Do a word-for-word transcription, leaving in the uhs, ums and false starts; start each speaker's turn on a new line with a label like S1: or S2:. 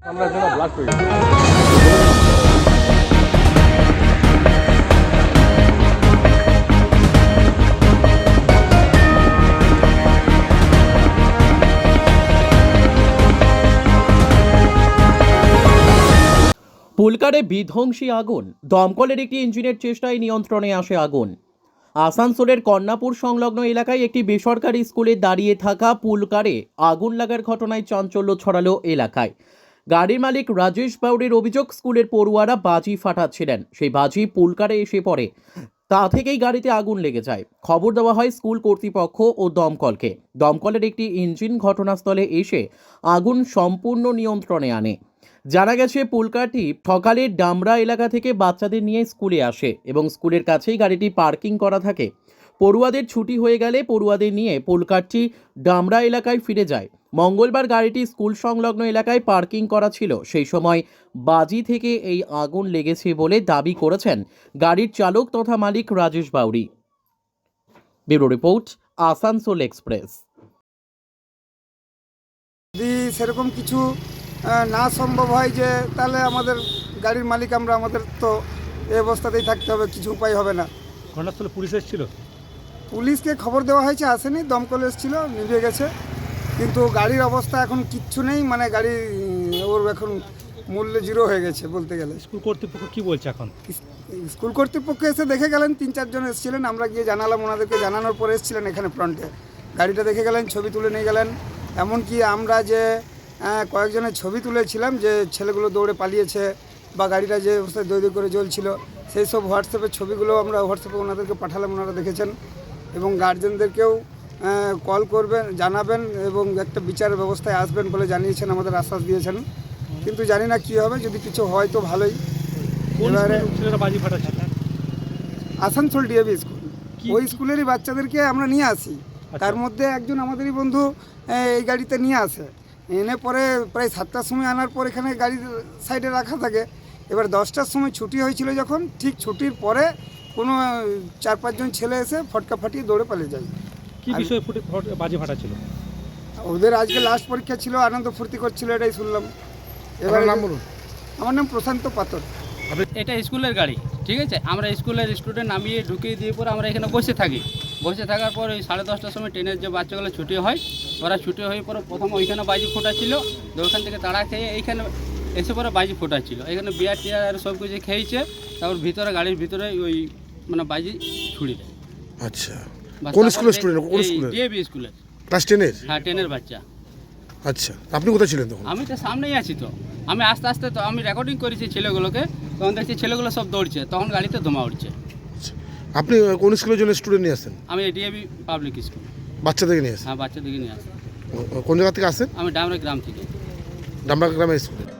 S1: আমরা যেন ব্লাস্ট হয়ে গেছে।
S2: পুলকারে বিধ্বংসী আগুন, দমকলের একটি ইঞ্জিনের চেষ্টায় নিয়ন্ত্রণে আসে আগুন। আসানসোলের কন্যাপুর সংলগ্ন এলাকায় একটি বেসরকারি স্কুলে দাঁড়িয়ে থাকা পুলকারে আগুন লাগার ঘটনায় চাঞ্চল্য ছড়ালো এলাকায়। গাড়ির মালিক রাজেশ বাউরির অভিযোগ, স্কুলের পড়ুয়ারা বাজি ফাটাচ্ছিলেন, সেই বাজি পুলকারে এসে পড়ে, তা থেকেই গাড়িতে আগুন লেগে যায়। খবর দেওয়া হয় স্কুল কর্তৃপক্ষ ও দমকলকে। দমকলের একটি ইঞ্জিন ঘটনাস্থলে এসে আগুন সম্পূর্ণ নিয়ন্ত্রণে আনে। জানা গেছে, পুলকারটি সকালে ডামরা এলাকা থেকে বাচ্চাদের নিয়ে স্কুলে আসে এবং স্কুলের কাছেই গাড়িটি পার্কিং করা থাকে। পড়ুয়াদের ছুটি হয়ে গেলে পড়ুয়াদের নিয়ে পুলকারটি ডামরা এলাকায় ফিরে যায়। মঙ্গলবার গাড়িটি স্কুল সংলগ্ন এলাকায় পার্কিং করা ছিল, সেই সময় বাজি থেকে এই আগুন লেগেছে বলে দাবি করেছেন গাড়ির চালক তথা মালিক Rajesh Bauri. Bureau report, Asansol express.
S3: যদি সেরকম কিছু না সম্ভব হয় যে তাহলে আমাদের গাড়ির মালিক আমরা, আমাদের তো এই অবস্থাতেই থাকতে হবে, কিছু উপায় হবে না।
S1: ঘটনাস্থলে পুলিশ এসেছিল?
S3: পুলিশকে খবর দেওয়া হয়েছে, আসেনি। দমকল এসেছিল, নিভে গেছে। কিন্তু গাড়ির অবস্থা এখন কিচ্ছু নেই, মানে গাড়ি ওর এখন মূল্য জিরো হয়ে গেছে বলতে গেলে।
S1: স্কুল কর্তৃপক্ষ কি বলছে এখন?
S3: স্কুল কর্তৃপক্ষ এসে দেখে গেলেন, তিন চারজন এসেছিলেন, আমরা গিয়ে জানালাম, ওনাদেরকে জানানোর পরে এসেছিলেন এখানে ফ্রন্টে, গাড়িটা দেখে গেলেন, ছবি তুলে নিয়ে গেলেন। এমনকি আমরা যে কয়েকজনের ছবি তুলেছিলাম যে ছেলেগুলো দৌড়ে পালিয়েছে বা গাড়িটা যে অবস্থায় দৌড় করে জ্বলছিল, সেই সব হোয়াটসঅ্যাপের ছবিগুলো আমরা হোয়াটসঅ্যাপে ওনাদেরকে পাঠালাম, ওনারা দেখেছেন। এবং গার্জেনদেরকেও কল করবেন, জানাবেন এবং একটা বিচারের ব্যবস্থায় আসবেন বলে জানিয়েছেন, আমাদের আশ্বাস দিয়েছেন। কিন্তু জানি না কী হবে, যদি কিছু হয় তো ভালোই। এবারে
S1: বাজি ফাটাচ্ছে
S3: আসানসোল ডিএভি স্কুল, ওই স্কুলেরই বাচ্চাদেরকে আমরা নিয়ে আসি। তার মধ্যে একজন আমাদেরই বন্ধু এই গাড়িতে নিয়ে আসে, এনে পরে প্রায় সাতটার সময় আনার পর এখানে গাড়ির সাইডে রাখা থাকে। এবার দশটার সময় ছুটি হয়েছিল, যখন ঠিক ছুটির পরে কোনো চার পাঁচজন ছেলে এসে ফটকা ফাটিয়ে দৌড়ে পালিয়ে যায়।
S1: কি বিষয়ে ফুটে বাজি ফাটাচ্ছিল?
S3: ওদের আজকে লাস্ট পরীক্ষা ছিল, আনন্দ ফুর্তি করছিল, এটাই শুনলাম। এবার নাম বলুন। আমার নাম প্রশান্ত পাতর।
S4: এটা স্কুলের গাড়ি, ঠিক আছে। আমরা স্কুলের স্টুডেন্ট নামিয়ে ঢুকিয়ে দিয়ে পরে আমরা এখানে বসে থাকি। বসে থাকার পর ওই সাড়ে দশটার সময় ট্রেনের যে বাচ্চাগুলো ছুটি হয়, ওরা ছুটি হয়ে পরে প্রথম ওইখানে বাজি ফোটাচ্ছিল, ওইখান থেকে তাড়া খেয়ে এইখানে এসে পরে বাজি ফোটাচ্ছিল। এখানে বিয়ার টিয়ার আর সব কিছু খেয়েছে, তারপর ভিতরে গাড়ির ভিতরে ওই মানে বাজি ছুড়ি দেয়।
S5: আচ্ছা, কোন স্কুলের স্টুডেন্ট? কোন স্কুলের?
S4: ডিএভি স্কুলের।
S5: ক্লাস টেনের?
S4: হ্যাঁ, টেনের বাচ্চা।
S5: আচ্ছা, আপনি কোথায় ছিলেন তখন?
S4: আমি তো সামনেই আছি, তো আমি আস্তে আস্তে তো আমি রেকর্ডিং করেছি ছেলেগুলোকে, তখন দেখছি ছেলেগুলো সব দৌড়ছে, তখন গাড়িতে ধোঁয়া উঠছে।
S5: আপনি কোন স্কুলের জন্য স্টুডেন্ট নিয়ে আসেন?
S4: আমি ডিএভি পাবলিক স্কুল।
S5: বাচ্চাদেরকে নিয়ে আসেন?
S4: হ্যাঁ, বাচ্চাদেরকে নিয়ে আসি।
S5: কোন জায়গা থেকে আসেন?
S4: আমি ডামরা গ্রাম থেকে।
S5: ডামরা গ্রামের স্কুলে।